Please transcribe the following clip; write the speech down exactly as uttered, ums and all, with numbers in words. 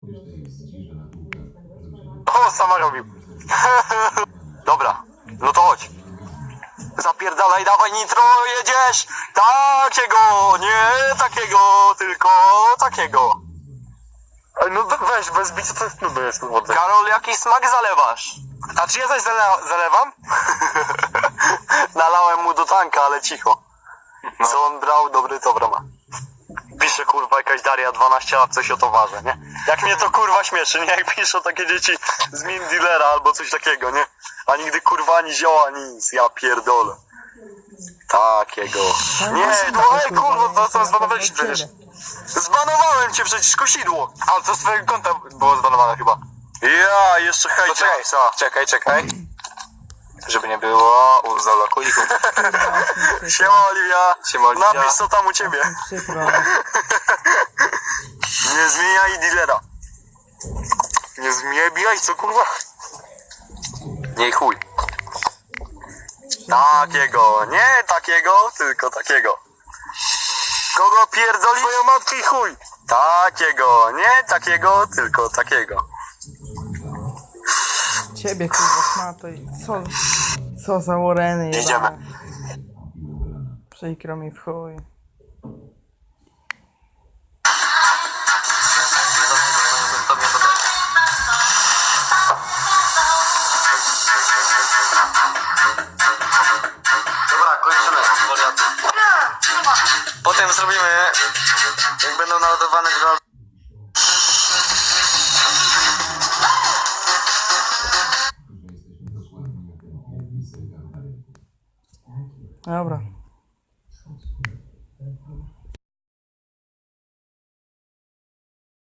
O, sama robił. Dobra, no to chodź. Zapierdalaj, dawaj nitro, jedziesz! Takiego, nie takiego, tylko takiego. No weź, bez bicia to jest nudno jest wody. Karol, jaki smak zalewasz? A czy ja coś zale zalewam? Nalałem mu do tanka, ale cicho. No. Co on brał, dobry towar ma. Pisze kurwa jakaś Daria, dwanaście lat, coś o towarze, nie? Jak mnie to kurwa śmieszy, nie? Jak piszą takie dzieci z min dealera albo coś takiego, nie? A nigdy kurwa ani zioła, nic, ja pierdolę. Takiego. Nie, no ej kurwa, to co zbanowałeś przecież. Zbanowałem cię przecież, kosidło. Ale to z twojego konta było zbanowane chyba. Ja, jeszcze hejcie. Czekaj, czekaj, czekaj. Żeby nie było, u, zablokuj. Siema Oliwia. Siema, Oliwia. Napisz co tam u ciebie. Przykro. Nie zmieniaj dealera. Nie zmiebijaj, co kurwa? Nie chuj. Takiego, nie takiego, tylko takiego. Kogo pierdoli? Twoją matkę i chuj. Takiego, nie takiego, tylko takiego. Ciebie kurwa szmato i co? Co za łoreny Idziemy. Przykro mi w chuj. Dobra, kończymy. Wariaty. Potem zrobimy, jak będą naładowane dwa... Dobra.